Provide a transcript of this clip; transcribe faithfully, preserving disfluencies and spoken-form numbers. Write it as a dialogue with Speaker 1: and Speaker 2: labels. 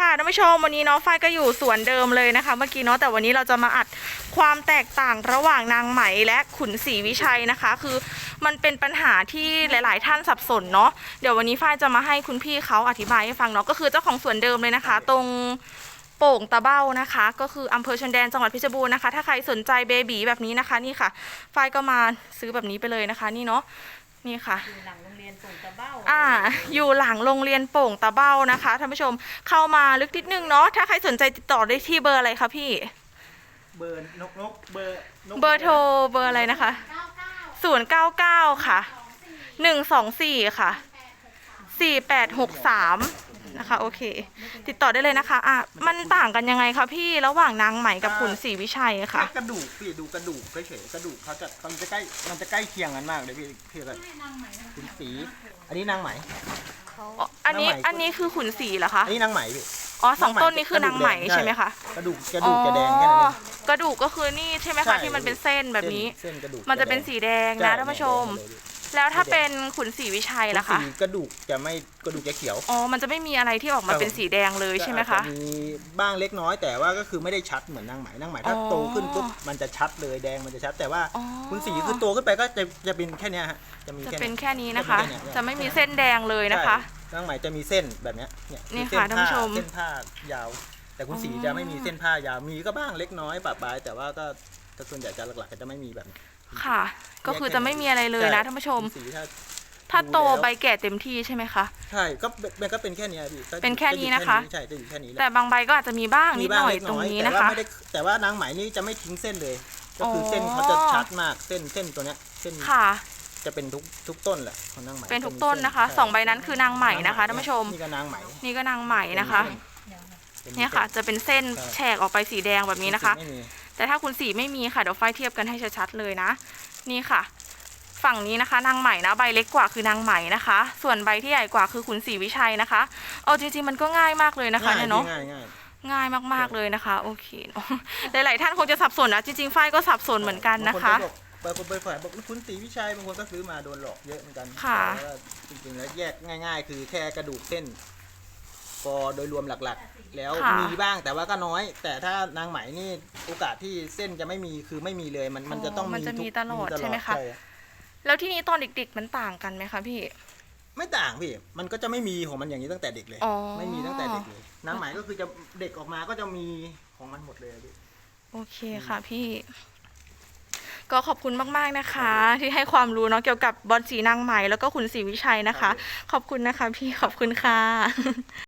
Speaker 1: ท่านผู้ชมวันนี้เนาะฝ้ายก็อยู่สวนเดิมเลยนะคะเมื่อกี้เนาะแต่วันนี้เราจะมาอัดความแตกต่างระหว่างนางไหมและขุนศรีวิชัยนะคะคือมันเป็นปัญหาที่หลายๆท่านสับสนเนาะเดี๋ยววันนี้ฝ้ายจะมาให้คุณพี่เขาอธิบายให้ฟังเนาะก็คือเจ้าของสวนเดิมเลยนะคะ ตรงโป่งตะเบ้านะคะก็คืออำเภอชนแดนจังหวัดเพชรบูรณ์นะคะถ้าใครสนใจเบบีแบบนี้นะคะนี่ค่ะฝ้ายก็มาซื้อแบบนี้ไปเลยนะคะนี่เนาะนี่ค่ะ
Speaker 2: อยู่หลังโรงเรียนโป่งตะเบ้า
Speaker 1: อ่าอยู่หลังโรงเรียนโป่งตะเบ้านะคะท่านผู้ชมเข้ามาลึกนิดนึงเนาะถ้าใครสนใจติดต่อได้ที่เบอร์อะไรคะพี่
Speaker 3: เบอร์นกนกเบอร์นก
Speaker 1: เบอร์โทรเบอร์อะไรนะคะศูนย์เก้าเก้าค่ะหนึ่งสองสี่ค่ะสี่แปดหกสามนะคะโอเคติดต่อได้เลยนะคะอ่ะมันต่างกันยังไงคะพี่ระหว่างนางไหมกับขุนศรีวิชัยค่ะ
Speaker 3: กระดูกพี่ดูกระดูกเฉยๆกระดูกเขาจะมันจะใกล้มันจะใกล้เคียงกันมากเลยพี่พี่กับขุนศรีอันนี้นางไหม
Speaker 1: อันนี้อันนี้คือขุนศรีเหรอคะ
Speaker 3: อันนี้นางไหมพี่
Speaker 1: อ๋อสองต้นนี้คือนางไหมใช่ไหมคะ
Speaker 3: กระดูกกระดูกจะแดงแค่นั้นเอง
Speaker 1: กระดูกก็คือนี่ใช่ไหมคะที่มันเป็นเส้นแบบนี้มันจะเป็นสีแดงนะท่านผู้ชมแล้วถ้าเป็นขุนศรีวิชัยล่ะคะ
Speaker 3: กระดูกจะไม่กระดูกจะเขียว
Speaker 1: อ๋อมันจะไม่มีอะไรที่ออกมาเป็นสีแดงเลยใช่ไหมคะ
Speaker 3: มีบ้างเล็กน้อยแต่ว่าก็คือไม่ได้ชัดเหมือนนางไหมนางไหมถ้าโตขึ้นปุ๊บมันจะชัดเลยแดงมันจะชัดแต่ว่าขุนศรีคือโตขึ้นไปก็จะจะเป็นแค่นี้ฮะ
Speaker 1: จะมีจะเป็นแค่นี้นะคะจะไม่มีเส้นแดงเลยนะคะ
Speaker 3: นางไหมจะมีเส้นแบบนี้เนี่ย
Speaker 1: นี่ค่ะท่านผู้ชม
Speaker 3: เส้นผ้ายาวแต่ขุนศรีจะไม่มีเส้นผ้ายาวมีก็บ้างเล็กน้อยปะปายแต่ว่าก็ส่วนใหญ่จะหลักๆจะไม่มีแบบ
Speaker 1: ค่ะก็คือจะไม่มีอะไรเลยนะท่านผู้ชมถ้าโตใบแก่เต็มที่ใช่ไหมคะ
Speaker 3: ใช่ก็มันก็เป็นแค่นี้พี่
Speaker 1: เป็นแค่นี้นะคะ
Speaker 3: ใช่จะอยู่แค่นี้
Speaker 1: แต่บางใบก็อาจจะมีบ้างนิดหน่อยตรงนี้นะคะ
Speaker 3: แต่ว่านางไหมนี่จะไม่ทิ้งเส้นเลยก็คือเส้นเขาจะชัดมากเส้นเส้นตัวเนี้ยเส้น
Speaker 1: ค่ะ
Speaker 3: จะเป็นทุกทุกต้นแหละของนางไหม
Speaker 1: เป็นทุกต้นนะคะสองใบนั้นคือนางไหมนะคะท่านผู้ชม
Speaker 3: นี่ก็นางไหม
Speaker 1: นี่ก็นางไหมนะคะเนี่ยค่ะจะเป็นเส้นแฉกออกไปสีแดงแบบนี้นะคะแต่ถ้าคุณสีไม่มีค่ะเดี๋ยวไฟเทียบกันให้ชัดๆเลยนะนี่ค่ะฝั่งนี้นะคะนางไหมนะใบเล็กกว่าคือนางไหมนะคะส่วนใบที่ใหญ่กว่าคือขุนศรีวิชัยนะคะเอาจริงๆมันก็ง่ายมากเลยนะคะเนี่ยเนาะง่ายมากๆเลยนะคะโอเคหลายๆท่านคงจะสับสนนะจริงๆไฟก็สับสนเหมือนกันนะคะ
Speaker 3: บางคนไปฝ่ายบอกขุนศรีวิชัยบางคนก็ซื้อมาโดนหลอกเยอะเหมือนกัน
Speaker 1: ค่ะ
Speaker 3: จริงๆแล้วแยกง่ายๆคือแค่กระดูกเส้นก็โดยรวมหลักๆแล้วมีบ้างแต่ว่าก็น้อยแต่ถ้านางไหมนี่โอกาสที่เส้นจะไม่มีคือไม่มีเลยมันมันจะต้อง
Speaker 1: มันจะมีตลอดใช่ไหมคะแล้วที่นี้ตอนเด็กๆมันต่างกันไหมคะพี่
Speaker 3: ไม่ต่างพี่มันก็จะไม่มีของมันอย่างนี้ตั้งแต่เด็กเลยไม่มีตั้งแต่เด็กเลยนางไหมก็คือจะเด็กออกมาก็จะมีของมันหมดเลยพี่
Speaker 1: โอเคค่ะพี่ก็ขอบคุณมากๆนะคะที่ให้ความรู้เนาะเกี่ยวกับบอลสีนางไหมแล้วก็ขุนศรีวิชัยนะคะขอบคุณนะคะพี่ขอบคุณค่ะ